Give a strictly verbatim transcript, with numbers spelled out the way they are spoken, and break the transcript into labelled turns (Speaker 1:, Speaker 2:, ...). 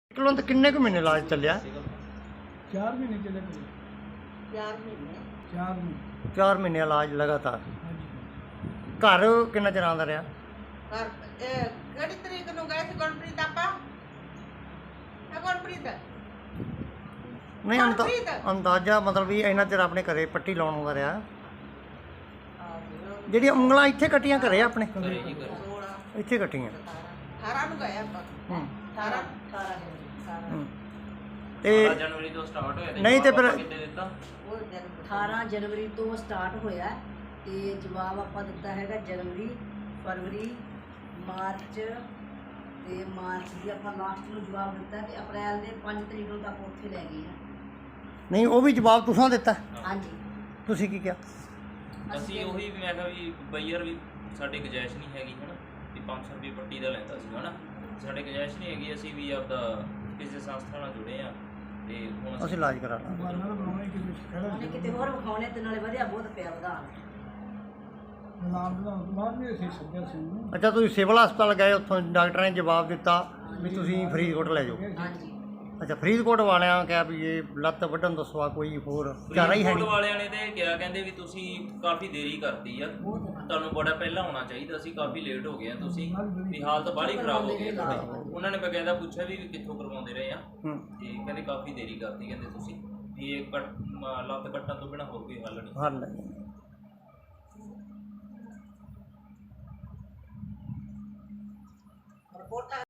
Speaker 1: Kilo ਤਾਂ ਕਿੰਨੇ ਕੁ ਮਹੀਨੇ ਇਲਾਜ ਚੱਲਿਆ?
Speaker 2: ਚਾਰ ਮਹੀਨੇ ਚੱਲੇ ਪਏ।
Speaker 3: ਚਾਰ ਮਹੀਨੇ
Speaker 2: ਚਾਰ ਮਹੀਨੇ
Speaker 1: ਚਾਰ ਮਹੀਨੇ ਇਲਾਜ ਲਗਾਤਾਰ।
Speaker 2: ਹਾਂਜੀ।
Speaker 1: ਘਰ ਕਿੰਨਾ ਚਿਰ ਆਉਂਦਾ ਰਿਹਾ?
Speaker 3: ਪਰ ਇਹ ਕਿਹੜੀ ਤਰੀਕ ਨੂੰ ਗਏ ਸੀ ਗੁਰਪ੍ਰੀਤ ਆਪਾਂ? ਹੈ ਗੁਰਪ੍ਰੀਤ?
Speaker 1: ਨਹੀਂ ਅੰਦਾ
Speaker 3: ਗੁਰਪ੍ਰੀਤ?
Speaker 1: ਅੰਦਾਜ਼ਾ ਮਤਲਬ ਵੀ ਇੰਨਾ ਚਿਰ ਆਪਣੇ ਘਰੇ ਪੱਟੀ ਲਾਉਣ ਆਉਂਦਾ ਰਿਹਾ।
Speaker 3: ਆਹ
Speaker 1: ਜਿਹੜੀਆਂ ਉਂਗਲਾਂ ਇੱਥੇ ਕੱਟੀਆਂ ਘਰੇ ਆਪਣੇ
Speaker 3: ਸੋਲਾਂ
Speaker 1: ਇੱਥੇ ਕੱਟੀਆਂ।
Speaker 3: ਅਠਾਰਾਂ ਨੂੰ ਗਏ ਆਪਾਂ।
Speaker 1: ਹੂੰ
Speaker 3: ਅਠਾਰਾਂ ਅਠਾਰਾਂ ਅਠਾਰਾਂ
Speaker 1: ਹੂੰ। ਤੇ
Speaker 4: ਜਨਵਰੀ ਤੋਂ ਸਟਾਰਟ ਹੋਇਆ ਤੇ
Speaker 1: ਨਹੀਂ ਤੇ ਫਿਰ
Speaker 4: ਕਿੰਨੇ ਦਿੱਤਾ?
Speaker 3: ਉਹ ਦਿਨ
Speaker 5: ਅਠਾਰਾਂ ਜਨਵਰੀ ਤੋਂ ਸਟਾਰਟ ਹੋਇਆ ਤੇ ਜਵਾਬ ਆਪਾਂ ਦਿੱਤਾ ਹੈਗਾ ਜਨਵਰੀ, ਫਰਵਰੀ, ਮਾਰਚ ਤੇ ਮਾਰਚ ਦੀ ਆਪਾਂ ਲਾਸਟ ਨੂੰ ਜਵਾਬ ਦਿੱਤਾ ਤੇ ਅਪ੍ਰੈਲ ਦੇ ਪੰਜ ਤਰੀਕ ਨੂੰ ਤੱਕ ਉੱਥੇ ਲੈ ਗਏ ਆ।
Speaker 1: ਨਹੀਂ ਉਹ ਵੀ ਜਵਾਬ ਤੁਸੀਂ ਦਿੱਤਾ?
Speaker 5: ਹਾਂਜੀ।
Speaker 1: ਤੁਸੀਂ ਕੀ ਕਿਹਾ?
Speaker 4: ਅਸੀਂ ਉਹੀ ਮੈਂ ਕਿਹਾ ਵੀ ਬਈਅਰ ਵੀ ਸਾਡੇ ਗੁੰਜਾਇਸ਼ ਨਹੀਂ ਹੈਗੀ ਹਨਾ ਵੀ ਪੰਜ ਸੌ ਰੁਪਏ ਪੱਟੀ ਦਾ ਲੈਂਦਾ ਸੀ ਹਨਾ, ਸਾਡੇ ਗੁੰਜਾਇਸ਼ ਨਹੀਂ ਹੈਗੀ, ਅਸੀਂ ਵੀ ਆਪਦਾ ਕਿਸੇ ਸੰਸਥਾ ਨਾਲ ਜੁੜੇ ਆ ਤੇ ਹੁਣ
Speaker 1: ਅਸੀਂ ਇਲਾਜ ਕਰਾ ਲਾਂਗੇ।
Speaker 2: ਬਾਹਰ ਬਣਾਉਣੇ ਕਿਸੇ ਖੜਾ
Speaker 5: ਉਹਨੇ ਕਿਤੇ ਹੋਰ ਵਿਖਾਉਣੇ ਤੇ ਨਾਲੇ ਵਧਿਆ ਬਹੁਤ ਪਿਆ ਵਧਾਣ।
Speaker 2: ਨਾਮ ਬਣਾਉਣ ਤੋਂ ਬਾਅਦ ਵੀ ਅਸੀਂ ਸੱਦਿਆ ਸੀ ਉਹਨੂੰ।
Speaker 1: ਅੱਛਾ ਤੁਸੀਂ ਸਿਵਲ ਹਸਪਤਾਲ ਗਏ, ਉੱਥੋਂ ਡਾਕਟਰਾਂ ਨੇ ਜਵਾਬ ਦਿੱਤਾ ਵੀ ਤੁਸੀਂ ਫਰੀਦਕੋਟ ਲੈ ਜਾਓ।
Speaker 5: ਹਾਂਜੀ।
Speaker 1: ਅੱਛਾ ਫਰੀਦਕੋਟ ਵਾਲਿਆਂ ਕਿਹਾ ਵੀ ਇਹ ਲੱਤ ਵੱਢਣ ਤੋਂ ਸਿਵਾ ਕੋਈ ਹੋਰ ਚਾਰਾ ਹੀ ਹੈ
Speaker 4: ਫਰੀਦਕੋਟ
Speaker 1: ਨਹੀਂ।
Speaker 4: ਵਾਲਿਆਂ ਨੇ ਤੇ ਕਿਹਾ ਕਹਿੰਦੇ ਵੀ ਤੁਸੀਂ ਕਾਫੀ ਦੇਰੀ ਕਰਤੀ ਆ, ਤੁਹਾਨੂੰ ਬੜਾ ਪਹਿਲਾਂ ਆਉਣਾ ਚਾਹੀਦਾ ਸੀ, ਕਾਫੀ ਲੇਟ ਹੋ ਗਏ ਆ ਤੁਸੀਂ, ਵੀ ਹਾਲਤ ਬਾਹਲੀ ਖਰਾਬ ਹੋ ਗਈ ਆ ਤੁਹਾਡੀ। ਉਹਨਾਂ ਨੇ ਬਕਾਇਦਾ ਪੁੱਛਿਆ ਵੀ ਕਿੱਥੋਂ ਕਰਵਾਉਂਦੇ ਰਹੇ ਆ
Speaker 1: ਹੂੰ।
Speaker 4: ਤੇ ਕਹਿੰਦੇ ਕਾਫੀ ਦੇਰੀ ਕਰਤੀ ਕਹਿੰਦੇ ਤੁਸੀਂ ਵੀ ਇਹ ਕੱਟ ਲੱਤ ਕੱਟਣ ਤੋਂ ਬਿਨਾਂ ਹੋਰ ਕੋਈ ਹੱਲ ਨਹੀਂ।
Speaker 1: ਹੱਲ ਨਹੀਂ।
Speaker 3: ਰਿਪੋਰਟਾਂ